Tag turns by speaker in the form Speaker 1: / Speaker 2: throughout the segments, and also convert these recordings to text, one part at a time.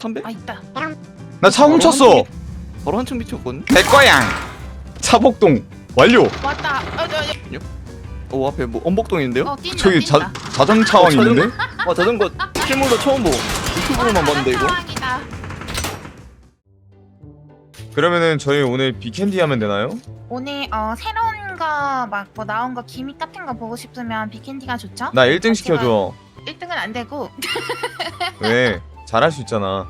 Speaker 1: 담배?
Speaker 2: 아 있다.
Speaker 3: 나 차 훔쳤어.
Speaker 1: 바로 한층 미쳤거든.
Speaker 3: 내 거야. 차복동 완료.
Speaker 2: 왔다.
Speaker 1: 오 앞에 뭐 엄복동인데요?
Speaker 2: 뛴다.
Speaker 3: 저기
Speaker 2: 뛴다.
Speaker 3: 자전차왕 있는데?
Speaker 1: 와 자전거 실물도 처음 보고 유튜브로만 봤는데 이거.
Speaker 2: 상황이다.
Speaker 3: 그러면은 저희 오늘 비캔디 하면 되나요?
Speaker 2: 오늘 새로운 거 막 뭐 나온 거 기믹 같은 거 보고 싶으면 비캔디가 좋죠?
Speaker 3: 나 1등 시켜줘.
Speaker 2: 1등은 안 되고
Speaker 3: 왜? 잘할 수 있잖아.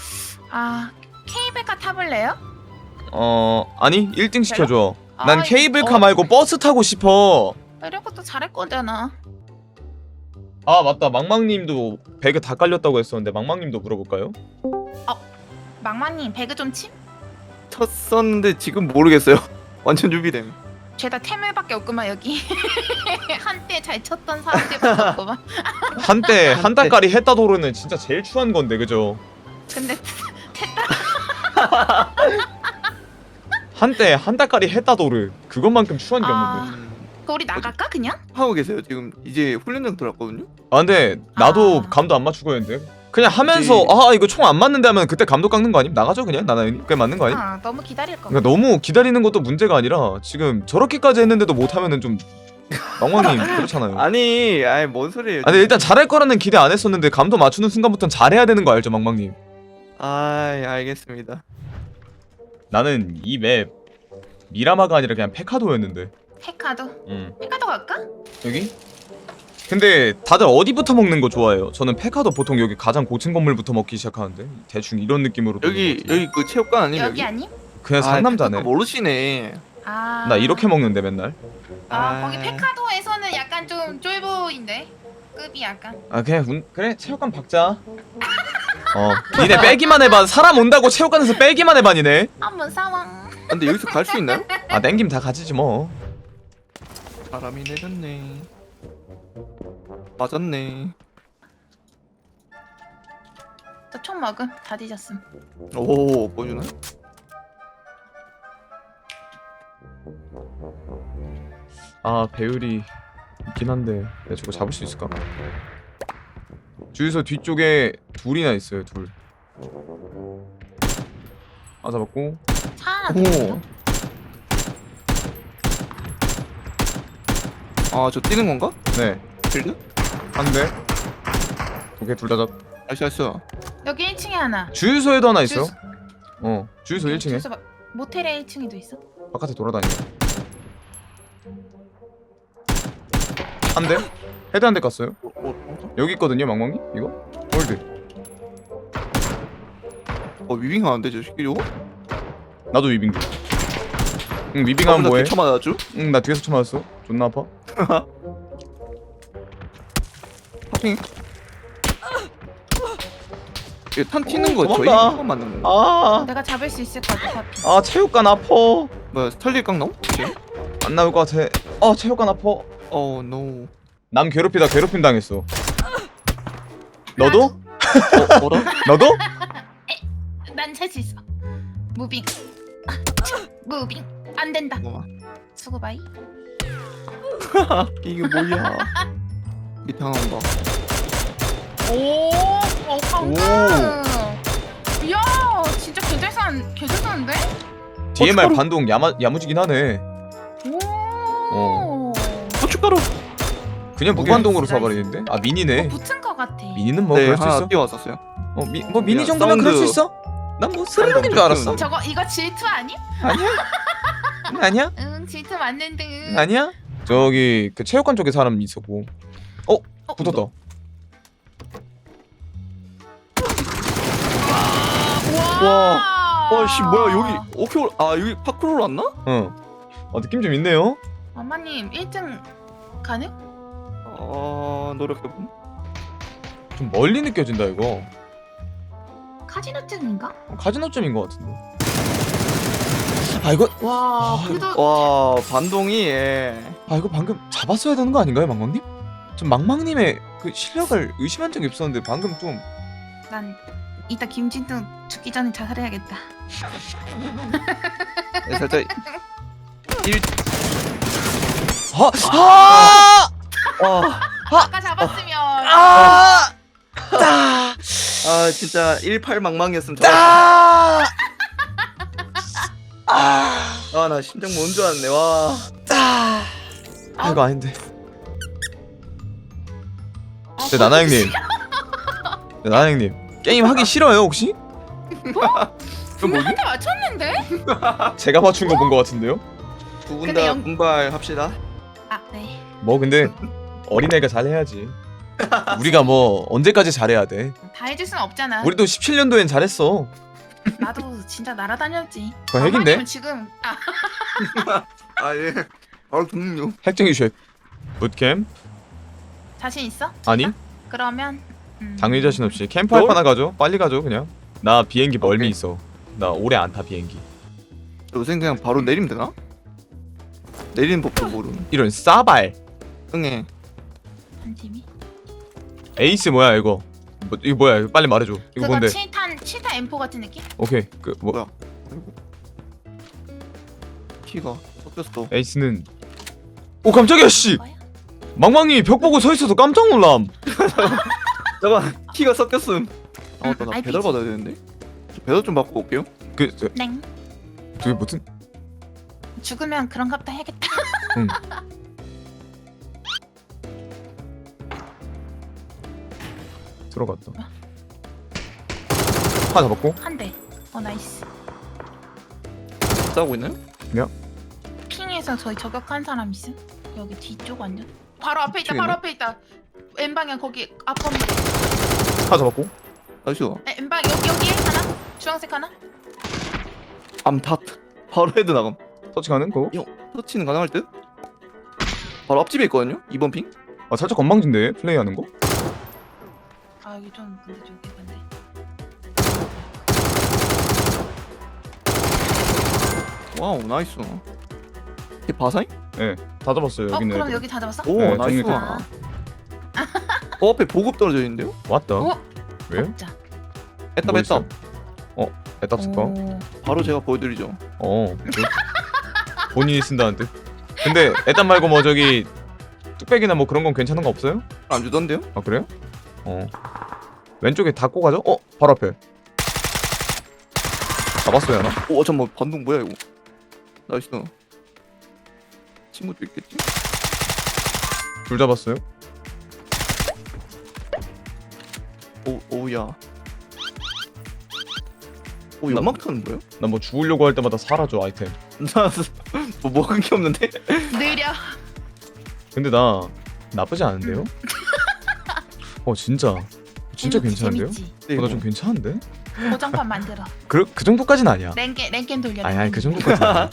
Speaker 2: 케이블카 타볼래요?
Speaker 3: 아니 1등 시켜줘.
Speaker 2: 아,
Speaker 3: 난 케이블카 말고 버스 타고 싶어.
Speaker 2: 이런 것도 잘할 거잖아.
Speaker 3: 아 맞다, 망망님도 배그 다 깔렸다고 했었는데 망망님도 물어볼까요?
Speaker 2: 망마님 배그 좀 침?
Speaker 1: 쳤었는데 지금 모르겠어요. 완전 준비됨.
Speaker 2: 죄다 태물밖에 없구만 여기. 한때 잘 쳤던 사람들밖에 없구만.
Speaker 3: 한때 한 달까리 했다도르는 진짜 제일 추한 건데 그죠?
Speaker 2: 근데
Speaker 3: 한때 한 달까리 했다도르 그것만큼 추한 게 없는데.
Speaker 2: 그거 우리 나갈까 그냥?
Speaker 1: 하고 계세요 지금. 이제 훈련장 들어왔거든요.
Speaker 3: 아 근데 나도
Speaker 2: 아.
Speaker 3: 감도 안 맞추고 했는데 그냥 하면서
Speaker 1: 그치.
Speaker 3: 이거 총 안 맞는데 하면 그때 감도 깎는 거 아님? 나가죠 그냥. 나는 그게 맞는 거 아님?
Speaker 2: 너무 기다릴 거.
Speaker 3: 그러니까 너무 기다리는 것도 문제가 아니라 지금 저렇게까지 했는데도 못하면은 좀 망망님 그렇잖아요.
Speaker 1: 아니 뭔 소리예요?
Speaker 3: 근데 일단 잘할 거라는 기대 안 했었는데 감도 맞추는 순간부터는 잘해야 되는 거 알죠 망망님?
Speaker 1: 알겠습니다.
Speaker 3: 나는 이 맵 미라마가 아니라 그냥 페카도였는데.
Speaker 2: 페카도.
Speaker 3: 응.
Speaker 2: 페카도 갈까?
Speaker 3: 여기? 근데 다들 어디부터 먹는 거 좋아해요? 저는 페카도 보통 여기 가장 고층 건물부터 먹기 시작하는데 대충 이런 느낌으로
Speaker 1: 여기 그 체육관 아니에요?
Speaker 2: 여기 아님?
Speaker 3: 그냥 상남자네.
Speaker 1: 모르시네.
Speaker 3: 나 이렇게 먹는데 맨날.
Speaker 2: 거기 페카도에서는 약간 좀 쫄보인데 급이 약간.
Speaker 3: 그냥 그래 체육관 박자. 니네 빼기만 해봐. 사람 온다고 체육관에서 빼기만 해봐 니네.
Speaker 2: 한번 상황.
Speaker 1: 근데 여기서 갈 수 있나요?
Speaker 3: 땡김 다 가지지 뭐.
Speaker 1: 바람이 내렸네. 맞았네.
Speaker 2: 저 총 먹음. 다 뒤졌음.
Speaker 1: 오 보여주나?
Speaker 3: 배율이 있긴 한데 내가 저거 잡을 수 있을까? 주유소 뒤쪽에 둘이나 있어요. 둘. 잡았고.
Speaker 2: 차 하나 더 있어.
Speaker 1: 저 뛰는 건가?
Speaker 3: 네.
Speaker 1: 빌드?
Speaker 3: 한 대. 오케이 둘 다 잡.
Speaker 1: 나이스.
Speaker 2: 여기 1층에 하나.
Speaker 3: 주유소에도 하나 있어요. 주유소 1층에
Speaker 2: 주유소 모텔에 1층에도 있어.
Speaker 3: 바깥에 돌아다녀. 한 대. 헤드 한 대 깠어요. 여기 있거든요, 망망이. 이거. 홀드.
Speaker 1: 위빙 하는데 저 새끼 저거?
Speaker 3: 나도 위빙. 응, 위빙하면 뭐해?
Speaker 1: 쳐 맞았죠?
Speaker 3: 응, 나 뒤에서 쳐 맞았어. 존나 아파.
Speaker 1: 파핑. 탄 튀는 거 저희
Speaker 3: 도망가.
Speaker 1: 거 맞는 건가?
Speaker 2: 내가 잡을 수 있을 것 같아. 파피.
Speaker 3: 체육관 아파.
Speaker 1: 뭐야 스탈리 깡 나오?
Speaker 3: 안 나올 것 같아. 체육관 아파.
Speaker 1: 노.
Speaker 3: 남 괴롭히다 괴롭힘 당했어. 너도?
Speaker 1: 뭐라?
Speaker 3: 너도?
Speaker 2: 난 살 수 있어. 무빙. 무빙. 안 된다.
Speaker 1: 잠깐만.
Speaker 2: 수고 바이.
Speaker 1: 이게 뭐야? 밑에 하나 온다.
Speaker 2: 오, 방금. 이야, 진짜 개잘하는데?
Speaker 3: DMR 반동 야무지긴 하네.
Speaker 2: 오.
Speaker 1: 고춧가루.
Speaker 3: 그냥 무반동으로 쏴버리는데? 미니네.
Speaker 2: 붙은 것 같아.
Speaker 3: 미니는 뭐
Speaker 1: 네
Speaker 3: 그럴 수
Speaker 1: 하나
Speaker 3: 있어.
Speaker 1: 띄워왔었어요.
Speaker 3: 미니
Speaker 1: 야,
Speaker 3: 정도면 그럴 수
Speaker 1: 사운드.
Speaker 3: 있어. 난 뭐 스르륵인 줄 알았어.
Speaker 2: 이거 질투 아니?
Speaker 3: 아니야? 아니야?
Speaker 2: 응, 질투 맞는 등.
Speaker 3: 아니야? 저기 그 체육관 쪽에 사람 있었고. 붙었다.
Speaker 1: 와. 씨 뭐야 여기 오케이. 여기 파크로 왔나?
Speaker 3: 느낌 좀 있네요.
Speaker 2: 엄마님 1등 가능?
Speaker 1: 노력해봄.
Speaker 3: 좀 멀리 느껴진다 이거.
Speaker 2: 카지노증인가?
Speaker 3: 카지노점인 것 같은데. 이거
Speaker 2: 와, 그래도
Speaker 1: 와 반동이
Speaker 3: 이거 방금 잡았어야 되는 거 아닌가요, 망망님? 좀 망망님의 그 실력을 의심한 적이 없었는데 방금 좀.
Speaker 2: 난 이따 김진동 죽기 전에 자살해야겠다.
Speaker 1: 살짝
Speaker 2: 아까 잡았으면
Speaker 1: 아 진짜 18 망망이었으면 좋았. 아나 심장 못 줄 알았네. 와.
Speaker 3: 아 이거 아닌데. 네 나나 형님. 네 나나 형님. 게임 하기 싫어요 혹시?
Speaker 2: 분명한테 맞췄는데?
Speaker 3: 제가 맞춘 거 본 거 같은데요?
Speaker 1: 두 분
Speaker 2: 근데
Speaker 1: 다
Speaker 2: 영-
Speaker 1: 분발합시다.
Speaker 2: 아 네.
Speaker 3: 뭐 근데 어린애가 잘해야지. 우리가 뭐 언제까지 잘해야 돼?
Speaker 2: 다 해줄 순 없잖아.
Speaker 3: 우리도 17년도엔 잘했어.
Speaker 2: 나도 진짜 날아다녔지.
Speaker 3: 그거 핵인데?
Speaker 2: 아니면 지금
Speaker 1: 아 예. 바로 듣는요.
Speaker 3: 핵쟁이 쉐. 붓캠?
Speaker 2: 자신 있어?
Speaker 3: 아니?
Speaker 2: 그러면
Speaker 3: 당연히 자신 없이 캠프 할
Speaker 1: 뭘?
Speaker 3: 거나 가죠. 빨리 가죠 그냥. 나 비행기 멀미
Speaker 1: 오케이.
Speaker 3: 있어. 나 오래 안 타 비행기.
Speaker 1: 요새 그냥 바로 내리면 되나? 내리는 법도 모르는.
Speaker 3: 이런 싸발.
Speaker 1: 응애.
Speaker 2: 한 팀이.
Speaker 3: 에이스 뭐야 이거? 뭐, 이거 뭐야? 이거 빨리 말해줘. 이거
Speaker 2: 그거
Speaker 3: 뭔데?
Speaker 2: 7탄 M4 같은 느낌?
Speaker 3: 오케이 그 뭐
Speaker 1: 뭐야? 아이고. 키가 섞였어.
Speaker 3: 에이스는 오 깜짝이야 씨.
Speaker 2: 뭐야?
Speaker 3: 망망이 벽 보고 서 있어서 깜짝 놀람.
Speaker 1: 잠깐 키가 섞였음. 아 맞다 나
Speaker 2: RPG.
Speaker 1: 배달 받아야 되는데. 저 배달 좀 받고 올게요.
Speaker 2: 넹.
Speaker 3: 그게 무슨?
Speaker 2: 죽으면 그런 값도 해야겠다.
Speaker 3: 응. 들어갔다. 하나 잡았고.
Speaker 2: 한 대. 나이스.
Speaker 1: 싸우고 있나요?
Speaker 2: 핑에서 저희 저격한 사람 있음? 여기 뒤쪽 완전. 바로 앞에 있다.
Speaker 1: 뒤쪽에
Speaker 2: 바로
Speaker 1: 있네?
Speaker 2: 앞에 있다. 왼방향 거기 앞범.
Speaker 3: 하나 잡았고.
Speaker 1: 나이스.
Speaker 2: 왼방 여기에 하나. 주황색 하나.
Speaker 1: 암탓. 바로 헤드 나감.
Speaker 3: 터치 가는 거?
Speaker 1: 터치는 가능할 듯? 바로 앞집에 있거든요. 2번 핑.
Speaker 3: 아 살짝 건방진데 플레이하는 거?
Speaker 2: 아 여기 좀 근데 좀 개판데.
Speaker 1: 와우 나이스. 이게 바사잉?
Speaker 3: 다 잡았어요 여기는.
Speaker 2: 그럼
Speaker 3: 애들.
Speaker 2: 여기 다 잡았어?
Speaker 1: 오
Speaker 3: 네,
Speaker 1: 나이스.
Speaker 3: 정리
Speaker 2: 아,
Speaker 1: 앞에 보급 떨어져 있는데요?
Speaker 3: 왔다.
Speaker 2: 오.
Speaker 3: 왜요?
Speaker 2: 먹자.
Speaker 1: 애답
Speaker 3: 뭐
Speaker 1: 애답.
Speaker 3: 애답 쓸까?
Speaker 2: 오.
Speaker 1: 바로 제가 보여드리죠.
Speaker 3: 그래? 본인이 쓴다는 듯. 근데 애답 말고 뭐 저기 뚝배기나 뭐 그런 건 괜찮은 거 없어요?
Speaker 1: 안 주던데요?
Speaker 3: 아 그래요? 왼쪽에 닫고 가죠? 바로 앞에. 잡았어요 하나?
Speaker 1: 오 잠깐만 반동 뭐야 이거? 나이스. 친구도 있겠지?
Speaker 3: 둘 잡았어요.
Speaker 1: 오우야. 오 연막탄은 뭐야?
Speaker 3: 나 뭐 죽으려고 할 때마다 사라져 아이템.
Speaker 1: 뭐 먹은 게 없는데?
Speaker 2: 느려.
Speaker 3: 근데 나 나쁘지 않은데요? 진짜
Speaker 2: 재밌지,
Speaker 3: 괜찮은데요?
Speaker 2: 재밌지.
Speaker 3: 나 좀 괜찮은데?
Speaker 2: 고정판 만들어.
Speaker 3: 그 정도까진 아니야.
Speaker 2: 랭겜 돌려.
Speaker 3: 아니 그 정도까진 아니야.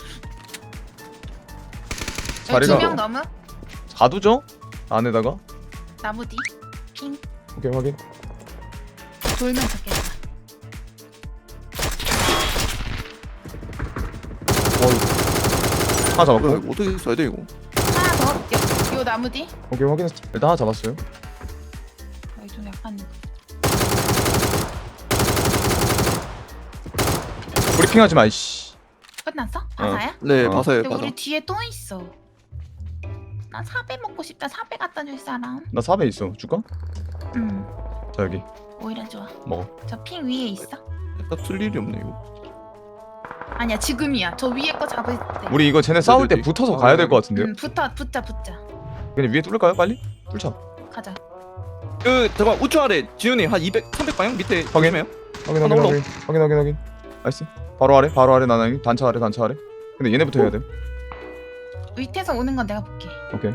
Speaker 3: 자리가
Speaker 2: 2명 넘음?
Speaker 3: 가두죠? 안에다가.
Speaker 2: 나무 뒤. 핑.
Speaker 3: 오케이 확인.
Speaker 2: 돌면 좋겠다.
Speaker 3: 하나
Speaker 1: 뭐야
Speaker 3: 잡았고.
Speaker 1: 이거 어떻게 써야 돼 이거?
Speaker 2: 하나 더. 요 나무 뒤.
Speaker 3: 오케이 확인했어. 일단 하나 잡았어요.
Speaker 2: 여기 좀 약간
Speaker 3: 브리핑하지 마 이씨.
Speaker 2: 끝났어? 바사야?
Speaker 1: 네 바사예요
Speaker 2: 근데
Speaker 1: 바사.
Speaker 2: 우리 뒤에 또 있어. 나 사배 먹고 싶다. 사배 갖다 줄 사람.
Speaker 3: 나 4배 있어. 줄까? 자 여기
Speaker 2: 오히려 좋아.
Speaker 3: 먹어.
Speaker 2: 저 핑 위에 있어?
Speaker 1: 딱 쓸 일이 없네 이거.
Speaker 2: 아니야 지금이야. 저 위에 거 잡을 때.
Speaker 3: 우리 이거 쟤네 싸울 때
Speaker 1: 어디?
Speaker 3: 붙어서 가야 될 것 같은데요?
Speaker 2: 붙자.
Speaker 3: 그냥 위에 뚫을까요 빨리? 뚫자.
Speaker 2: 가자.
Speaker 1: 그 잠깐 우측 아래 지훈이 한 200, 300 방향 밑에
Speaker 3: 확인.
Speaker 1: 조심해요.
Speaker 3: 확인. 나이스. 바로 아래 나나님 단차 아래. 근데 얘네부터 해야 돼.
Speaker 2: 밑에서 오는 건 내가 볼게.
Speaker 3: 오케이.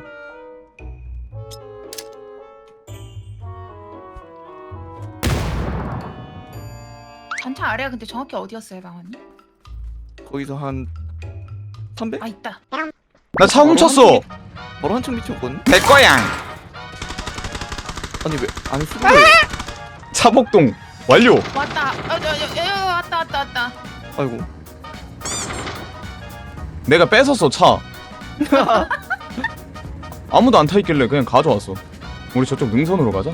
Speaker 2: 단차 아래가 근데 정확히 어디였어요, 방언님?
Speaker 1: 거기서 한 300?
Speaker 2: 아 있다.
Speaker 3: 나 차 훔쳤어.
Speaker 1: 바로 한층 밑이었거든.
Speaker 3: 내 거야.
Speaker 1: 아니 왜 아니 수비.
Speaker 3: 차복동 완료.
Speaker 2: 왔다. 왔다.
Speaker 1: 아이고.
Speaker 3: 내가 뺏었어 차. 아무도 안 타 있길래 그냥 가져왔어. 우리 저쪽 능선으로 가자.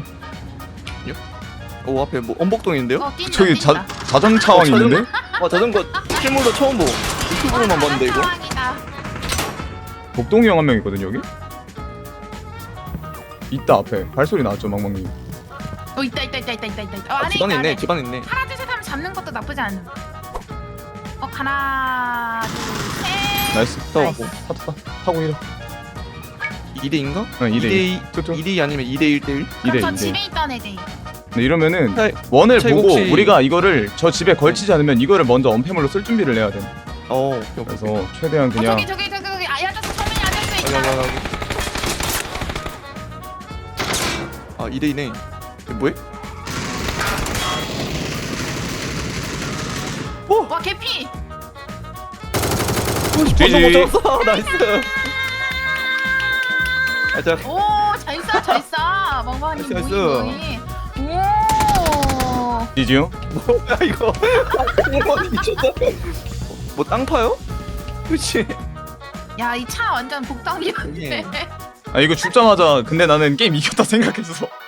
Speaker 1: 오 앞에 뭐 엄복동인데요?
Speaker 2: 뛴다.
Speaker 3: 저기 자전차왕 있는데?
Speaker 1: 와 자전거 실물로 처음 보고 유튜브로만 봤는데 이거.
Speaker 2: 상황이다.
Speaker 3: 복동이 형 한 명 있거든 여기. 있다 앞에 발소리 나왔죠 망망님.
Speaker 2: 있다. 안에
Speaker 1: 집안에
Speaker 2: 있다.
Speaker 1: 있네
Speaker 2: 안에.
Speaker 1: 집안에 있네.
Speaker 2: 하나 둘 셋 하면 잡는 것도 나쁘지 않음. 하나 둘 셋.
Speaker 3: 나이스.
Speaker 2: 나이스.
Speaker 3: 타고 이래.
Speaker 1: 2대2인가?
Speaker 3: 어, 2대2.
Speaker 1: 2대2 아니면 2대1 대1?
Speaker 2: 그럼 저
Speaker 3: 2대2.
Speaker 2: 집에 있던 애들.
Speaker 3: 네, 이러면은
Speaker 1: 차-
Speaker 3: 원을
Speaker 1: 차이
Speaker 3: 보고
Speaker 1: 혹시-
Speaker 3: 우리가 이거를 저 집에 걸치지 않으면 이거를 먼저 언패물로 쓸 준비를 해야 돼.
Speaker 1: 오케이.
Speaker 3: 그래서 최대한 그냥
Speaker 2: 저기 아야자수 서민이 앉아있어 있다.
Speaker 1: 아 2대2네. 뭐해?
Speaker 2: 와 개피.
Speaker 3: GG.
Speaker 1: 못 잡았어. 나이스. 자
Speaker 2: 오잘 쏴. 멍멍이
Speaker 1: 나이스,
Speaker 2: 뭐니. 오.
Speaker 3: 지지요?
Speaker 1: 뭐야 이거? 미쳤다. 뭐 땅 파요? 그렇지.
Speaker 2: 야 이 차 완전 복덩이였네.
Speaker 1: 예.
Speaker 3: 아 이거 죽자마자 근데 나는 게임 이겼다 생각했어.